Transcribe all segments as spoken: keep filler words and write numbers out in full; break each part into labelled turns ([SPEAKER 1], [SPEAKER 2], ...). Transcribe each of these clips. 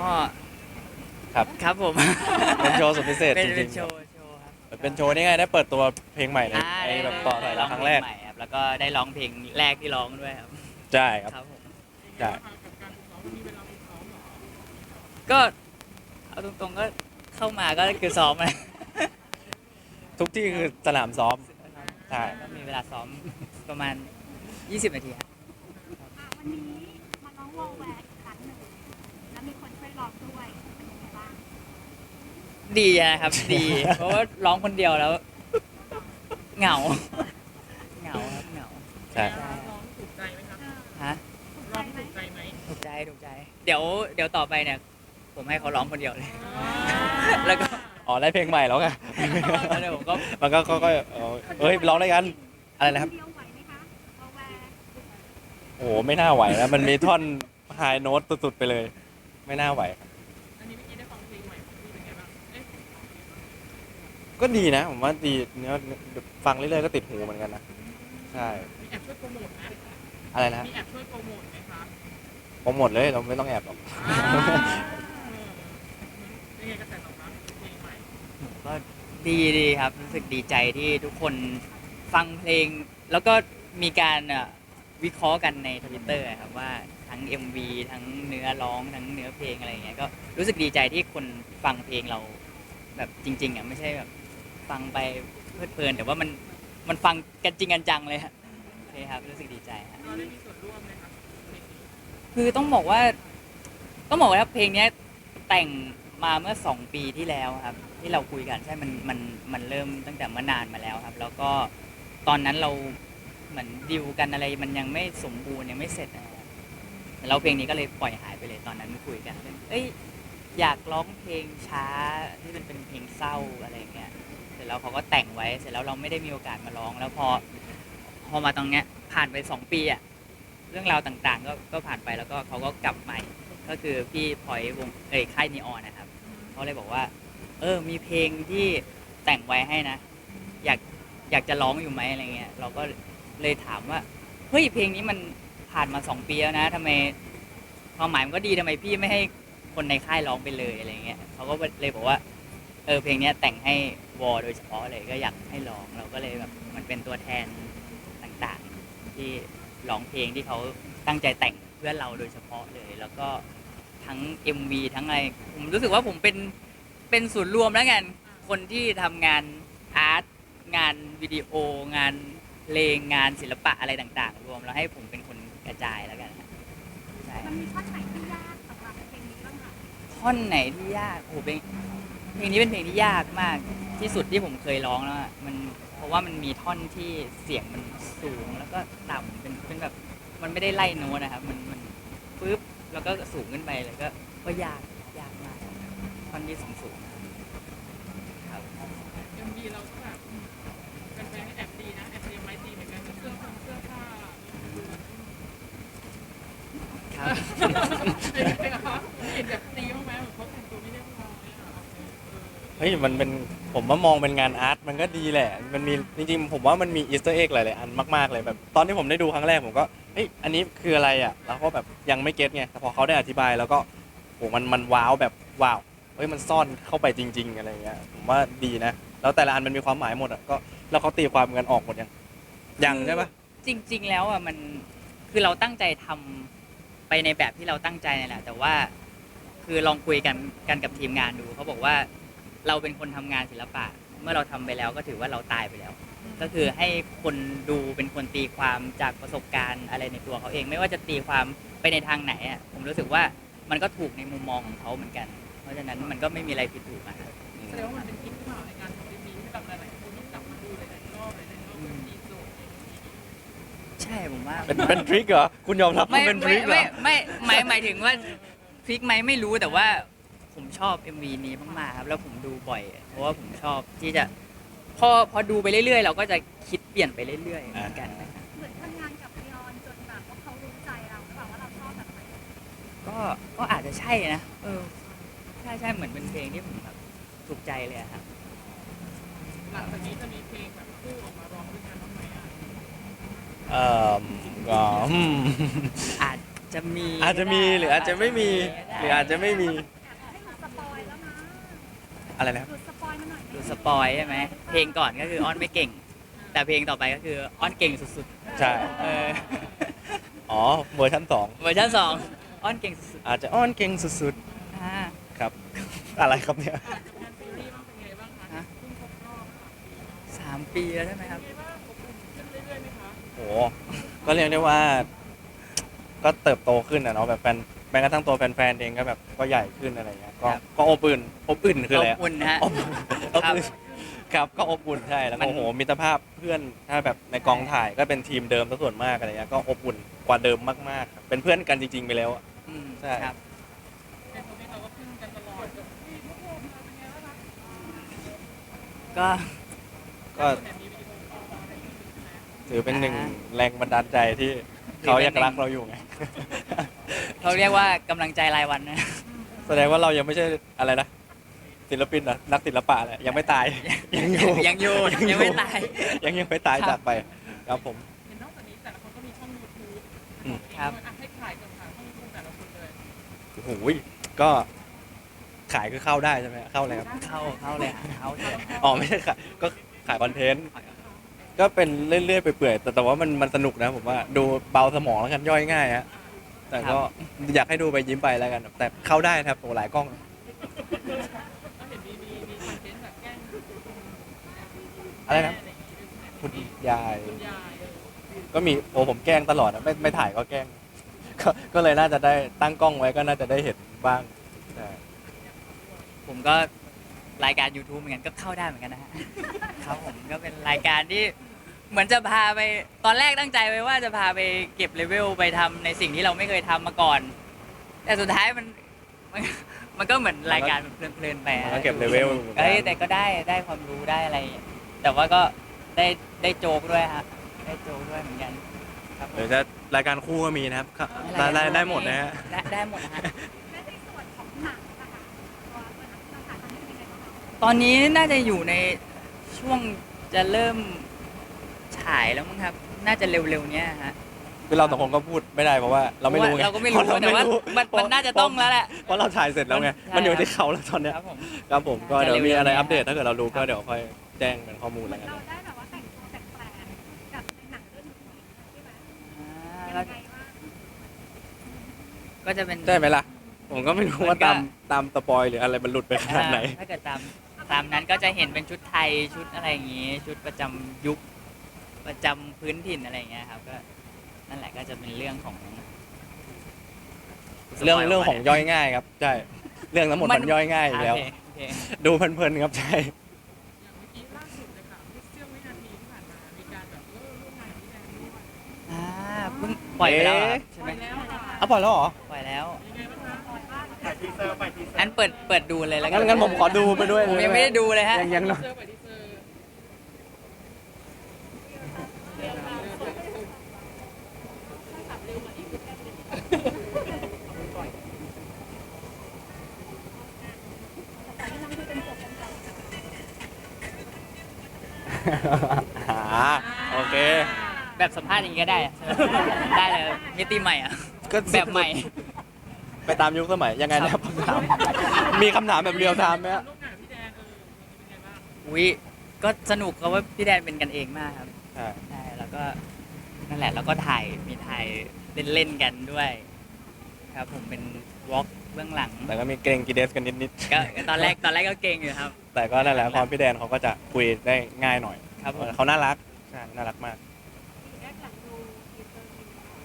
[SPEAKER 1] ครับ
[SPEAKER 2] ครับผม
[SPEAKER 1] เป็นโชว์สุดพิเศษ
[SPEAKER 2] เป็
[SPEAKER 1] จ
[SPEAKER 2] น
[SPEAKER 1] ริ
[SPEAKER 2] เป็
[SPEAKER 1] ง
[SPEAKER 2] น
[SPEAKER 1] ๆ
[SPEAKER 2] โช
[SPEAKER 1] ครับ
[SPEAKER 2] ว์โชว์ครับ
[SPEAKER 1] เป็นโชว์นี่ไงได้เปิดตัวเพลงใหม่ใน
[SPEAKER 2] อ่า
[SPEAKER 1] ใน
[SPEAKER 2] ได้
[SPEAKER 1] แบบ
[SPEAKER 2] ได้
[SPEAKER 1] ต่อถอยหลังครั้งแรก
[SPEAKER 2] ใหม่ครับแล้วก็ได้ร้องเพลงแรกที่ร้องด้วยครับ
[SPEAKER 1] ใช่ครับ
[SPEAKER 2] ครับผม
[SPEAKER 1] ใช่
[SPEAKER 2] ก็เอาตรงๆก็เข้ามาก็คือซ้อมนะ
[SPEAKER 1] ทุกที่คือสนามซ้อม ใช่
[SPEAKER 2] ก็มีเวลาซ้อมประมาณยี่สิบนาทีครับ
[SPEAKER 3] อ่ะวันนี้มาน้องวอลแวร์อีกครั้งหนึ่งแล้วมีคนช่วยร้องด้วยเป็นยังไงบ้าง
[SPEAKER 2] ดีนะครับ ดี เพราะว่าร้องคนเดียวแล้ว เหงา เหงาครับเหงา
[SPEAKER 1] ใช่
[SPEAKER 4] ร้องถูกใจไหมครับ
[SPEAKER 2] ฮะ
[SPEAKER 3] ถูก
[SPEAKER 4] ร้
[SPEAKER 3] ใจ
[SPEAKER 4] อง
[SPEAKER 3] ไหม
[SPEAKER 4] ถูกใจไหม
[SPEAKER 2] ถูกใจถูกใจ เดี๋ยวเดี๋ยวต่อไปเนี่ย ผมให้เขาร้องคนเดียวเลย แล้วก็
[SPEAKER 1] อ๋อได้เพลงใหม่แล้วไง
[SPEAKER 2] แล้วเดี๋ยวผมก็
[SPEAKER 1] มันก็ก็เออเฮ้ยร้องได้กันอะไรนะครับ
[SPEAKER 3] เดียวไหวไหมคะวอลแวร์
[SPEAKER 1] โอ้โหไม่น่าไหวแล้วมันมีท่อนไฮโน้ตสุดๆไปเลย ไม่น่าไหวครับ
[SPEAKER 4] อันนี้เมื่อกี้ได้ฟังเพลงใหม่ของพี่เป็นไงบ้างเอ๊ะ
[SPEAKER 1] ก็ดีนะผมว่าดีเนื้อฟังเรื่อยๆก็ติดหูเหมือนกันนะใช่
[SPEAKER 4] มีแอบช่วยโปรโมทไหม
[SPEAKER 1] อะไรนะ
[SPEAKER 4] มีแอบช่วยโปรโมทไหมคะ
[SPEAKER 1] ผมหมดเลยเราไม่ต้องแอบหรอก
[SPEAKER 4] อ่าเป็นไงกระแสตอบรับเพลงใหม่
[SPEAKER 2] ก็ดีดีครับ รู้สึกดีใจที่ทุกคนฟังเพลง แล้วก็มีการเอ่อวิเคราะห์กันในทวิตเตอร์ครับว่าทั้ง เอ็ม วี ทั้งเนื้อร้องทั้งเนื้อเพลงอะไรอย่างเงี้ยก็รู้สึกดีใจที่คนฟังเพลงเราแบบจริงๆอ่ะไม่ใช่แบบฟังไปเพลิดเพลินแต่ว่ามันมันฟังกันจริงกันจังเลยครับโอเคครับรู้สึกดีใจครับ
[SPEAKER 4] เราได้มีส่วนร่วมไหมครับเพลงนี้
[SPEAKER 2] คือต้องบอกว่า ต้องบอกว่าเพลงเนี้ยแต่งมาเมื่อสองปีที่แล้วครับ ที่เราคุยกันใช่มันมันมันเริ่มตั้งแต่เมื่อนานมาแล้วครับ แล้วก็ตอนนั้นเราเหมือนดิวกันอะไรมันยังไม่สมบูรณ์ยังไม่เสร็จนะครับแต่เราเพลงนี้ก็เลยปล่อยหายไปเลยตอนนั้นคุยกันเรื่องเอ้ยอยากร้องเพลงช้าที่มันเป็นเพลงเศร้าอะไรอย่างเงี้ยเสร็จแล้วเขาก็แต่งไว้เสร็จแล้วเราไม่ได้มีโอกาสมาร้อง แล้วพอพอมาตรงเนี้ยผ่านไปสองปีอะเรื่องราวต่างๆ ก็ก็ผ่านไปแล้วก็เขาก็กลับมาอีกก็คือพี่พลอยวงเอ้ยค่ายนีออนนะครับเขาเลยบอกว่า เออ มีเพลงที่แต่งไว้ให้นะ อยากอยากจะร้องอยู่ไหมอะไรเงี้ย เราก็เลยถามว่า เฮ้ย เพลงนี้มันผ่านมาสองปีแล้วนะทำไมความหมายมันก็ดีทำไมพี่ไม่ให้คนในค่ายร้องไปเลยอะไรเงี้ยเขาก็เลยบอกว่า เออ เพลงเนี้ยแต่งให้วอโดยเฉพาะเลยก็อยากให้ร้อง เราก็เลยแบบมันเป็นตัวแทนต่างๆ ที่ร้องเพลงที่เขาตั้งใจแต่งเพื่อเราโดยเฉพาะเลย แล้วก็ทั้ง เอ็ม วี ทั้งอะไร ผมรู้สึกว่าผมเป็น เป็นศูนย์รวมแล้วกัน คนที่ทำงานอาร์ต งานวิดีโอ งานเพลง งานศิลปะอะไรต่างๆ รวมแล้วให้ผมเป็นคนกระจายแล้วกันนะใช่
[SPEAKER 3] มันมีท่อนไหนที่ยากสำหรับเพลงนี้บ้างคะ
[SPEAKER 2] ท่อนไหนที่ยากโอ้โหเพลงเพลงนี้เป็นเพลงที่ยากมากที่สุดที่ผมเคยร้องแล้วอะมันเพราะว่ามันมีท่อนที่เสียงมันสูงแล้วก็ต่ำเป็นเป็นแบบมันไม่ได้ไล่โน้ตนะครับ มันมันปึ๊บแล้วก็สูงขึ้นไปเลยก็ก็ยากยากมากท่อนที่สูงสูงๆครับ
[SPEAKER 4] เอ็มวีเราก็แบบเป็นแฟนๆแอบดีนะแอบเตรียมไม้ตีเหมือนกันเสื้อผ้าเสื้อผ้า
[SPEAKER 2] ครับ
[SPEAKER 4] เป็นไงครับเห็นแบบตีบ้างไหมเหมือนเขาแต่งตัวไม่เรียบร้อยอ่ะ
[SPEAKER 1] เฮ้ยมันเป็นผมว่ามองเป็นงานอาร์ตมันก็ดีแหละ มันมีจริงๆผมว่ามันมีอีสเตอร์เอ็กหลายๆอันมากๆเลยแบบตอนที่ผมได้ดูครั้งแรกผมก็เฮ้ยอันนี้คืออะไรอ่ะแล้วก็แบบยังไม่เก็ตไงแต่พอเขาได้อธิบายแล้วก็โหมันมันว้าวแบบว้าวเฮ้ยมันซ่อนเข้าไปจริง ๆอะไรเงี้ยผมว่าดีนะแล้วแต่ละอันมันมีความหมายหมดอ่ะก็แล้วเขาตีความกันออกหมดยังยังใช่ปะ
[SPEAKER 2] จริง ๆ แล้วอ่ะมันคือเราตั้งใจทำไปในแบบที่เราตั้งใจนี่แหละแต่ว่าคือลองคุยกันกันกับทีมงานดูเขาบอกว่าเราเป็นคนทำงานศิลปะ เมื่อเราทำไปแล้วก็ถือว่าเราตายไปแล้ว ก็คือให้คนดูเป็นคนตีความจากประสบการณ์อะไรในตัวเขาเอง ไม่ว่าจะตีความไปในทางไหนอ่ะผมรู้สึกว่ามันก็ถูกในมุมมองของเขาเหมือนกัน เพราะฉะนั้นมันก็ไม่มีอะไรผิดถูกอะครับ
[SPEAKER 4] แสดงว่ามันเป็นคลิปที่มาในการทำเอ็มวีที่แบบหลายๆคนต้องกลับมาดูหลายๆรอบหลายๆรอบแบบมีโจทย์
[SPEAKER 2] ใช่ผมว่า
[SPEAKER 1] เป็นเป็นทริคเหรอคุณยอมรับว่า
[SPEAKER 2] ไม่
[SPEAKER 1] เป็นท
[SPEAKER 2] ไม่
[SPEAKER 1] ริคเหร
[SPEAKER 2] ไม่
[SPEAKER 1] อ
[SPEAKER 2] ไม่หมายหมายถึงว่าพลิกไหมไม่รู้แต่ว่าผมชอบ เอ็ม วี นี้มากๆครับแล้วผมดูบ่อย เพราะว่าผมชอบที่จะพอพอดูไปเรื่อยๆ เราก็จะคิดเปลี่ยนไปเรื่อยๆเหมือนกันนะครับ
[SPEAKER 3] เหมือนทำงานกับลีออนจนแบบว่าเขารู้ใจเราหรือเปล่าว่าเราชอบแบบไหน
[SPEAKER 2] ก็ก็อาจจะใช่นะเออใช่ใช่เหมือนเป็นเพลงที่ผมแบบถูกใจเลยอะครับ
[SPEAKER 4] หลังจากนี้จะมีเพลงแบบคู่ออกมาร้องด้วยกันบ้างไหมอ่ะ
[SPEAKER 1] เอ่อก็อืม
[SPEAKER 2] อาจจะมี
[SPEAKER 1] อาจจะมีหรืออาจจะไม่มีหรืออาจจะไม่มี
[SPEAKER 2] ใ
[SPEAKER 1] อะไรนะครับ
[SPEAKER 3] หลุดสปอยล์มาหน่อยไหม
[SPEAKER 2] ดูสปอยใช่ไหมเพลงก่อนก็คืออ้อนไม่เก่ง แต่เพลงต่อไปก็คืออ้อนเก่งสุด
[SPEAKER 1] ใช่
[SPEAKER 2] ๆเออ
[SPEAKER 1] อ๋อเวอร์ชันสอง
[SPEAKER 2] เวอร์ชันสองอ้อนเก่งสุด
[SPEAKER 1] อาจจะอ้อนเก่งสุด
[SPEAKER 2] ๆอ่า
[SPEAKER 1] ๆครับ อะไรครับเนี่ย
[SPEAKER 4] งานซีรีส์บ้างเป็นไงบ้างคะ
[SPEAKER 2] ฮะ
[SPEAKER 4] เพิ่งครบรอบค่ะ
[SPEAKER 2] สามปีแล้วใช่ไหมครับ
[SPEAKER 4] เป็นไงบ้างอบอุ่นขึ้นเรื่อยๆไหมคะ
[SPEAKER 1] โหก็เรียกได้ว่า ก็เติบโตขึ้นนะเนาะแบบแฟนแม้กระทั่งตัวแฟนๆเองก็แบบก็ใหญ่ขึ้นอะไรเงี้ยก็
[SPEAKER 2] ครับ
[SPEAKER 1] ก็อบอุ่นอบอุ่นคืออะไร
[SPEAKER 2] อบ
[SPEAKER 1] อะ
[SPEAKER 2] อุ่นนะฮะ
[SPEAKER 1] อบอบ
[SPEAKER 2] ครับ
[SPEAKER 1] อุ่นครับก็อบอุ่นใช่แล้ว
[SPEAKER 2] มั
[SPEAKER 1] ก็
[SPEAKER 2] น
[SPEAKER 1] โอ้โหมิตรภาพเพื่อนถ้าแบบในกองถ่ายก็เป็นทีมเดิมซะส่วนมากอะไรเงี้ยก็อบอุ่นกว่าเดิมมากๆครับเป็นเพื่อนกันจริงๆไปแล้วอะ
[SPEAKER 2] อืม
[SPEAKER 1] ใช่
[SPEAKER 2] ครับ
[SPEAKER 4] เป็นตัวนี้เราก็พึ่งกันตลอดแบบพี่พวกผมเป็นไงบ้างคะ
[SPEAKER 2] ก็
[SPEAKER 1] ก็
[SPEAKER 4] แต่มีวิดีโอคอลอะไรอย่างเงี้ยใช่ไหม
[SPEAKER 1] ถือเป็นหนึ่งแรงบันดาลใจที่เขายังรักเราอยู่ไง
[SPEAKER 2] เขาเรียกว่ากำลังใจรายวันนะ
[SPEAKER 1] แสดงว่าเรายังไม่ใช่อะไรนะศิลปินนะนักศิลปะแหละยังไม่ตาย ยังอยู่
[SPEAKER 2] ยังอยู่ยังไม่ตาย
[SPEAKER 1] ยังยังไม่ตาย
[SPEAKER 2] ครับ
[SPEAKER 1] จากไปครับผม
[SPEAKER 4] เห็นนอกจากนี้แต่ละคนก็มีช่องยูทูบ
[SPEAKER 1] อืม
[SPEAKER 2] ครับ
[SPEAKER 4] อ่ะให้ขายก่อนค่ะช่องยูทูบแต่ละคนเลย
[SPEAKER 1] โอ้โหก็ขายคือเข้าได้ใช่ไหมเข้าอะไรครับ
[SPEAKER 2] เข้าเข้าเลยฮะเข้าเลย
[SPEAKER 1] อ๋อไม่ใช่ขายก็ขายคอนเทนต์ก็เป็นเรื่อยๆไปเปื่อยๆแต่แต่ว่ามันมันสนุกนะผมว่าดูเบาสมองแล้วกันย่อยง่ายฮะแต่ก็อยากให้ดูไปยิ้มไปแล้วกัน แต่เข้าได้ครับโอ้หลายกล้อง
[SPEAKER 4] ก็เห็นมีมีมีคอนเทนต์แบบแกล้ง
[SPEAKER 1] อะไรนะ
[SPEAKER 4] อะไรอย่างงี้ด้วยใช่ไหม
[SPEAKER 1] คุณยาย
[SPEAKER 4] คุณยายเออ
[SPEAKER 1] ก็มีโอ้ผมแกล้งตลอดนะไม่ไม่ถ่ายก็แกล้ง ก็ก็เลยน่าจะได้ตั้งกล้องไว้ก็น่าจะได้เห็นบ้างใช่
[SPEAKER 2] ผมก็รายการ YouTube เหมือนกันก็เข้าได้เหมือนกันนะฮะ ครับผมก็เป็นรายการที่เหมือนจะพาไปตอนแรกตั้งใจไว้ว่าจะพาไปเก็บเลเวลไปทำในสิ่งที่เราไม่เคยทำมาก่อน แต่สุดท้ายมันมันมันก็เหมือนรายการเพลินๆไป
[SPEAKER 1] มัน
[SPEAKER 2] อะ
[SPEAKER 1] ก็เก็บเลเวล
[SPEAKER 2] เอ้ยแต่ก็ได้ได้ความรู้ได้อะไร แต่ว่าก็ได้ได้โจกด้วยฮะได้โจกด้วยเหมือนกันครับผม
[SPEAKER 1] หรือจะรายการคู่ก็มีนะครับครับได้ได้ได้หมดนะฮะ
[SPEAKER 2] ได้ได้หมดนะฮะ
[SPEAKER 3] และในส่วนของหนังนะคะตัวตัวหนังเราถ่ายตอนนี้เป็นยังไงบ้างคะ
[SPEAKER 2] ตอนนี้น่าจะอยู่ในช่วงจะเริ่มฉายแล้วมั้งครับ น่าจะเร็วๆเนี้ยฮะ
[SPEAKER 1] คือเราสองคนก็พูดไม่ได้เพราะว่าเราไม่รู้ไง
[SPEAKER 2] เราก็ไม่รู้
[SPEAKER 1] พะ
[SPEAKER 2] แต่ว่ามัน
[SPEAKER 1] เพระ
[SPEAKER 2] มันน่าจะต้องแล้วแหละ
[SPEAKER 1] เพราะเราถ่ายเสร็จแล้วไง
[SPEAKER 2] ใช่
[SPEAKER 1] มันอยู่ที่เขาแล้วตอนเนี้ย
[SPEAKER 2] ครับผม
[SPEAKER 1] ครับผมก็
[SPEAKER 2] จะ
[SPEAKER 1] เดี๋ยวมีอะไร
[SPEAKER 2] เร็วๆนี้
[SPEAKER 1] อัปเดตถ้าเกิดเรารู้
[SPEAKER 2] ครั
[SPEAKER 1] ก็
[SPEAKER 2] บ
[SPEAKER 1] เดี๋ยวค่อยแจ้งเป็นข้อมูล
[SPEAKER 3] เหมื
[SPEAKER 1] แล้
[SPEAKER 3] อ
[SPEAKER 1] วน กัน
[SPEAKER 3] เราได้แบบว่าแต่งตัวแปลกๆกับในหนังเรื่องนี้ใช่ไหม
[SPEAKER 2] อ่า
[SPEAKER 3] ยั
[SPEAKER 2] แล้ว
[SPEAKER 3] งไงบ้าง
[SPEAKER 2] ก็จะเป็น
[SPEAKER 1] ใช่ไหมล่ะ ผมก็ไม่รู้ว่า
[SPEAKER 2] มันก็
[SPEAKER 1] ตามตามสปอยหรืออะไรมันหลุดไปขนาดไหน
[SPEAKER 2] อ่าถ้าเกิดตามตามนั้นก็จะเห็นเป็นชุดไทยชุดอะไรอย่างงี้ ชุดประจำยุคประจำพื้นถิ่นอะไรอย่างเงี้ยครับก็นั่นแหละก็จะเป็นเรื่องของ
[SPEAKER 1] เรื่องเรื่องของย่อยง่ายครับใช่เรื่องทั้งหมดมันย่อยง่ายอยู่แล้ว
[SPEAKER 2] โอเคโอเค
[SPEAKER 1] ดูเพลินๆครับใช่
[SPEAKER 4] อย่างเมื่อกี้ล่าสุดเลยค่ะเสี้ยววินาทีที่ผ่านมามีการแบบเออร่วมงานกับพี่แดนด้วย
[SPEAKER 2] อ่าเพิ่งปล่อยไปแล้วเหรอใช่
[SPEAKER 4] ไป
[SPEAKER 2] ไหม
[SPEAKER 4] แล้วค่ะ
[SPEAKER 1] เอาปล่อยแล้วเหรอ
[SPEAKER 2] ปล่อยแล้ว
[SPEAKER 4] ยังไงบ้างคะ
[SPEAKER 2] อันเปิดเปิดดูเลยแล้วกั
[SPEAKER 1] งั้นงั้นผมขอดูไปด้วย
[SPEAKER 2] ผมยังไม่ได้ดูเลยฮะ
[SPEAKER 1] ยังยังหน่อย
[SPEAKER 4] เซอร์ไปที่เซอร์
[SPEAKER 1] อ่าโอเค
[SPEAKER 2] แบบสัมภาษณ์อย่างนี้ก็ได้อะใช่ไหมได้เลยมิติใหม่อ่ะ
[SPEAKER 1] ก็
[SPEAKER 2] แบบใหม่
[SPEAKER 1] ไปตามยุคสมัยยังไงนะครับคำถามมีคำถามแบบเรียลไทม์ไหมฮะ
[SPEAKER 4] ร่วมงานกับพี่แดนเออเป็นไงบ้าง
[SPEAKER 2] อุ้ยก็สนุกเพราะว่าพี่แดนเป็นกันเองมากครับ
[SPEAKER 1] ใช่
[SPEAKER 2] ใช่แล้วก็นั่นแหละแล้วก็ถ่ายมีถ่ายเล่นๆกันด้วย ครับผมเป็นวอล์กเบื้องหลัง
[SPEAKER 1] แต่ก็มีเกรงกีเดสกันนิด
[SPEAKER 2] ก็ตอนแรกตอนแรกก็เก่งอยู่ครับ
[SPEAKER 1] ๆแต่ก็นั่นแหละความพี่แดนเขาก็จะคุยได้ง่ายหน่อย
[SPEAKER 2] ครับผม
[SPEAKER 1] เขาน่ารักใช่น่ารักมาก
[SPEAKER 3] แรกหลังดูทีเซอร์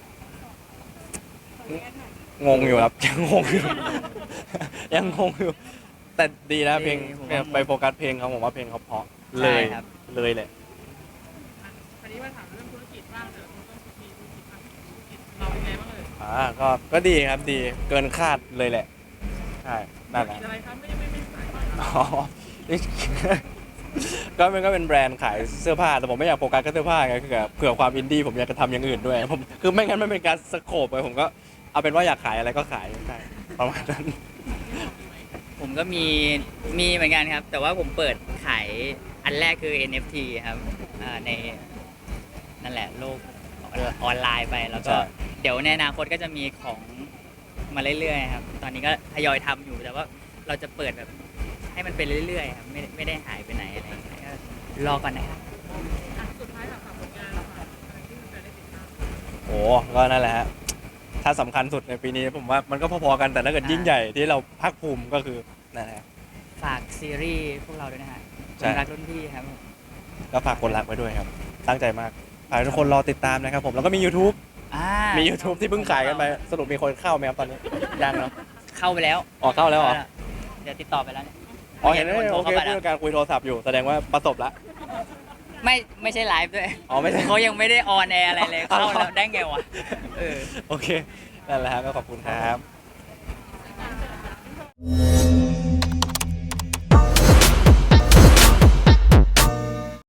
[SPEAKER 3] มีขอแรกหน่อย
[SPEAKER 1] งงอยู่ครับ ยังงงอยู่ ยังงงอยู่ แต่ดีนะเพลง
[SPEAKER 2] ผมว่า
[SPEAKER 1] ไปโฟกัสเพลงเขาผมว่าเพลงเขาเพราะเลย
[SPEAKER 2] ใช่ครับ
[SPEAKER 1] เลยแหละ
[SPEAKER 4] อ่ะคราวนี้มาถามเรื่องธุรกิจบ้างแต่ละคนก็มีธุรกิจอ่ะธุรกิจเราเป็นไงบ้างเลย
[SPEAKER 1] อ่าก็ก็ดีครับดีเกินคาดเลยแหละใช่นั่นแห
[SPEAKER 4] ธุร
[SPEAKER 1] ละ
[SPEAKER 4] กิจอะไรคะไม่ไม่ไม่ขายบ้าง
[SPEAKER 1] อ๋อ ก็มันก็เป็นแบรนด์ขายเสื้อผ้าแต่ผมไม่อยากโฟกัสแค่เสื้อผ้าไงคือแบบเผื่อความอินดี้ผมอยากจะทำอย่างอื่นด้วยผมคือไม่งั้นมันเป็นการสโคปไปผมก็เอาเป็นว่าอยากขายอะไรก็ขายใช่ประมาณนั้น
[SPEAKER 2] ผมก็มีมีเหมือนกันครับ แต่ว่าผมเปิดขายอันแรกคือ เอ็น เอฟ ที ครับอ่าในนั่นแหละโลกออนไลน์ไปแล้วก็
[SPEAKER 1] ใช่
[SPEAKER 2] เดี๋ยวในอนาคตก็จะมีของมาเรื่อยๆครับ ตอนนี้ก็ทยอยทำอยู่แต่ว่าเราจะเปิดแบบใให้มันเป็นเรื่อยๆครับไม่ไม่ได้หายไปไหนอะไรอย่างเงี้ยก็รอก่อนนะครับ
[SPEAKER 4] อ่ะสุดท้ายค่ะฝากผลงานค่ะอะไรที่มันจะได้ติดตาม
[SPEAKER 1] โอ้ก็นั่นแหละฮะถ้าสำคัญสุดในปีนี้ผมว่ามันก็พอๆกันแต่ถ้าเกิดยิ่งใหญ่ที่เราภาคภูมิก็คือนั่นแหละ
[SPEAKER 2] ฝากซีรีส์พวกเราด้วยนะฮะ
[SPEAKER 1] ใช่
[SPEAKER 2] คนรักรุ่นพี่ครับผม
[SPEAKER 1] ก็ฝากคนรักไว้ด้วยครับ ตั้งใจมากฝากให้ทุกคนรอติดตามนะครับผมแล้วก็มี YouTube
[SPEAKER 2] อ่า
[SPEAKER 1] มี YouTube ที่เพิ่งขายกันไปสรุปมีคนเข้าไหมครับตอนนี้ยังเนาะ
[SPEAKER 2] เข้าไปแล้ว
[SPEAKER 1] อ๋อเข้าแล้วเหรอ
[SPEAKER 2] เดี๋ยวติดต่อไปแล้วเนี่ย
[SPEAKER 1] อ๋อเห็นไหม
[SPEAKER 2] คนโทร
[SPEAKER 1] โอเค
[SPEAKER 2] เข้าไป
[SPEAKER 1] ผู้
[SPEAKER 2] แล้ว
[SPEAKER 1] จัดการคุยโทรศัพท์อยู่แสดงว่าประสบละ
[SPEAKER 2] ไม่ไม่ใช่ไลฟ์ด้วย
[SPEAKER 1] อ๋อไม่ใช่
[SPEAKER 2] เขายังไม่ได้ออนแอร์อะไรเลยเข้าแล้วได้ไงวะเออ
[SPEAKER 1] โอเคนั่นแหละครับก็ขอบคุณครับ